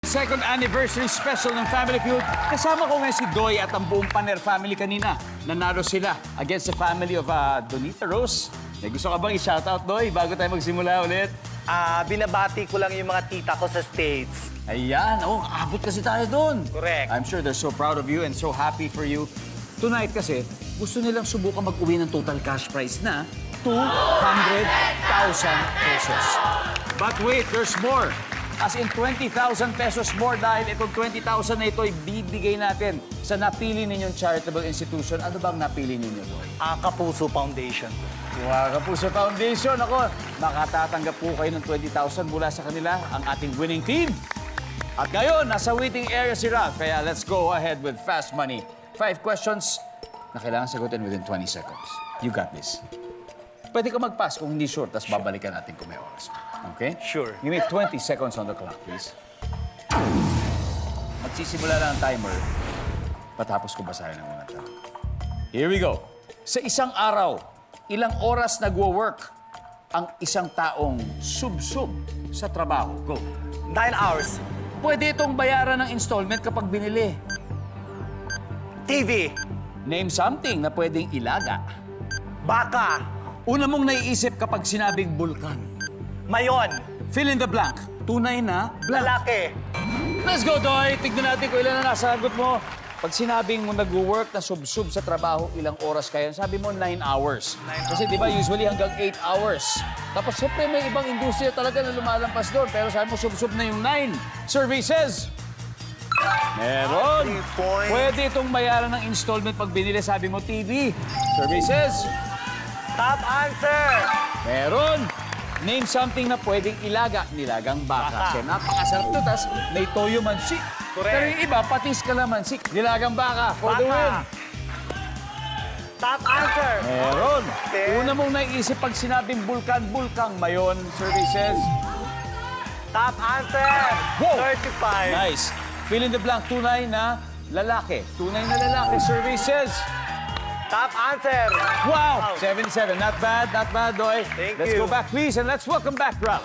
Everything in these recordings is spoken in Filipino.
Second anniversary special ng Family Feud. Kasama ko ngayon si Doy at ang buong Paner family kanina. Nanalo sila against the family of Donita Rose. May gusto ka bang i-shoutout, Doy, bago tayo magsimula ulit? Binabati ko lang yung mga tita ko sa States. Ayan, abot kasi tayo doon. Correct. I'm sure they're so proud of you and so happy for you. Tonight kasi, gusto nilang subukan mag-uwi ng total cash prize na 200,000 pesos. But wait, there's more. As in 20,000 pesos more dahil itong 20,000 na ito ay bibigay natin sa napili ninyong charitable institution. Ano bang napili ninyo, Doy? Kapuso Foundation. Kapuso Foundation. Ako, makatatanggap po kayo ng 20,000 mula sa kanila, ang ating winning team. At ngayon, nasa waiting area si Ralph. Kaya let's go ahead with Fast Money. 5 questions na kailangan sagutin within 20 seconds. You got this. Pwede ka mag-pass kung hindi sure, tapos babalikan natin kung may oras. Okay? Sure. Give me 20 seconds on the clock, please. Magsisimula na ang timer. Patapos ko basahin ang mga tanong. Here we go. Sa isang araw, ilang oras nagwo-work ang isang taong sub-sub sa trabaho? Go. 9 hours. Pwede itong bayaran ng installment kapag binili. TV. Name something na pwedeng ilaga. Baka. Una mong naiisip kapag sinabing bulkan. Mayon. Fill in the blank. Tunay na blank. Lalaki. Let's go, Doy! Tignan natin kung ilan na nasagot mo. Pag sinabing mo nag-work na sub-sub sa trabaho, ilang oras kayo? Sabi mo 9 hours. Kasi di ba usually hanggang 8 hours. Tapos siyempre may ibang industriya talaga na lumalampas doon. Pero sabi mo sub-sub na yung 9. Survey says... Meron. 3 points. Pwede itong bayaran ng installment pag binili. Sabi mo TV. Survey says... Top answer. Meron. Name something na pwedeng ilaga. Nilagang baka. Baka. Kasi napakasarap to. Tapos may toyo mansik. Correct. Pero yung iba, patis kalamansi. Nilagang baka. For the win. Baka. Top answer. Meron. Okay. Una mong naisip pag sinabing bulkan, bulkang mayon. Survey says... Top answer. Wow. 35. Nice. Fill in the blank. Tunay na lalaki. Tunay na lalaki. Survey says... Top answer. Wow! 77. Not bad, Doy. Thank Let's you. go back, please, and let's welcome back Ralph.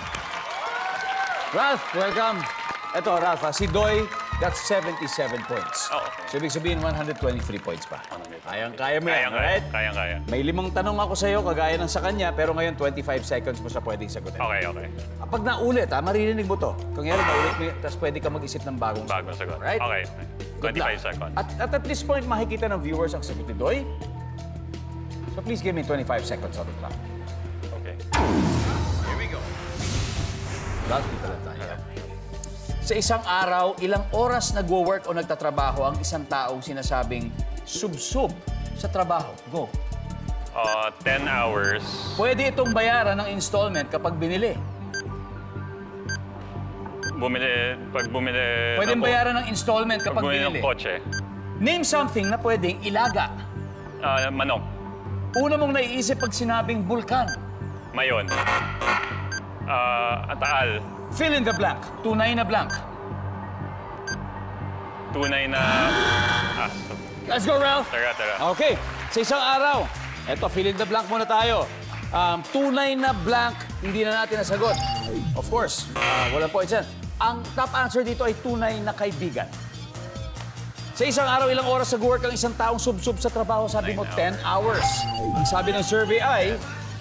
Ralph, welcome. Ito, Ralph, si Doy got 77 points. Oh, okay. So, ibig sabihin, 123 points pa. Kayang-kaya mo yan, right? Kayang-kaya. May 5 tanong ako sa'yo, kagaya ng sa kanya, pero ngayon, 25 seconds mo siya pwedeng sagutin. Okay. Pag naulit, maririnig mo to. Kung yan, naulit mo, tapos pwede ka mag-isip ng bagong Bagong sagot. Right? Okay. Good 25 luck. seconds. At this point, makikita ng viewers ang sagot ni Doy. So please give me 25 seconds on the clock. Okay. Here we go. Ralph, dito lang tayo. Sa isang araw, ilang oras nagwo-work o nagtatrabaho ang isang taong sinasabing sub-sub sa trabaho? Go. 10 hours. Pwede itong bayaran ng installment kapag binili. Pag bumili... Pwedeng bayaran ng installment Pag kapag bumili ng binili. kotse. Name something na pwedeng ilaga. Manok. Una mong naiisip pag sinabing bulkan. Mayon. Taal. Fill in the blank. Tunay na blank. Tunay na... Let's go, Ralph. Tara. Okay. Sa isang araw, eto, fill in the blank muna tayo. Tunay na blank, hindi na natin nasagot. Of course, walang points yan. Ang top answer dito ay tunay na kaibigan. Sa isang araw, ilang oras nag-work ang isang taong sub-sub sa trabaho? Sabi mo, 10 hours. Ang sabi ng survey ay...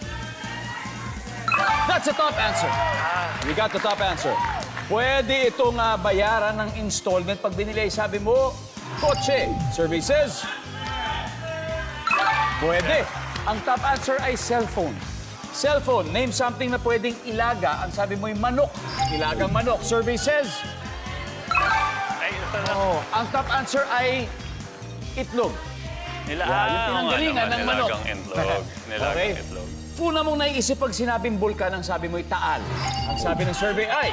That's the top answer. We got the top answer. Pwede itong bayaran ng installment pag binili. Sabi mo, kotse. Survey says... Pwede. Ang top answer ay cellphone. Cellphone, name something na pwedeng ilaga. Ang sabi mo ay manok. Ilagang manok. Survey says... Ang top answer ay itlog. Yung pinanggalingan ng manok. Nilagang itlog. Okay. Itlog. Una mong naiisip pag sinabing bulkan, ang sabi mo ay taal. Ang sabi ng survey ay...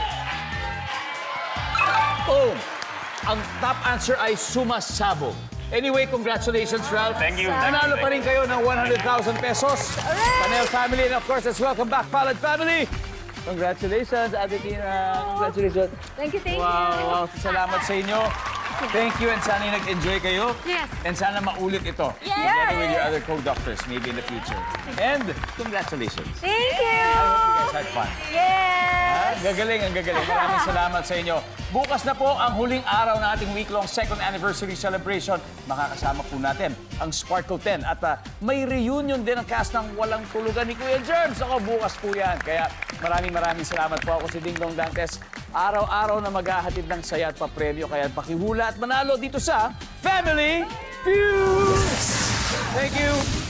Boom! Ang top answer ay sumasabog. Anyway, congratulations, Ralph. Thank you. Nanalo pa rin kayo ng 100,000 pesos. Panel family, and of course, let's welcome back Palad family. Congratulations, Ate Tina. Congratulations. Thank you. Wow. Salamat sa inyo. Thank you, and sana nag-enjoy kayo. Yes. And sana maulit ito. Yes. Together with your other co-doctors, maybe in the future. And congratulations. Thank you. I hope you guys had fun. Yeah. Gagaling, ang gagaling. Maraming salamat sa inyo. Bukas na po ang huling araw ng ating week-long second anniversary celebration. Makakasama po natin ang Sparkle 10. At may reunion din ang cast ng Walang Tulugan ni Kuya Germs. Ako, bukas po yan. Kaya maraming salamat po. Ako si Ding Dong Dantes. Araw-araw na maghahatid ng saya at papremyo. Kaya pakihula at manalo dito sa Family Feud! Thank you!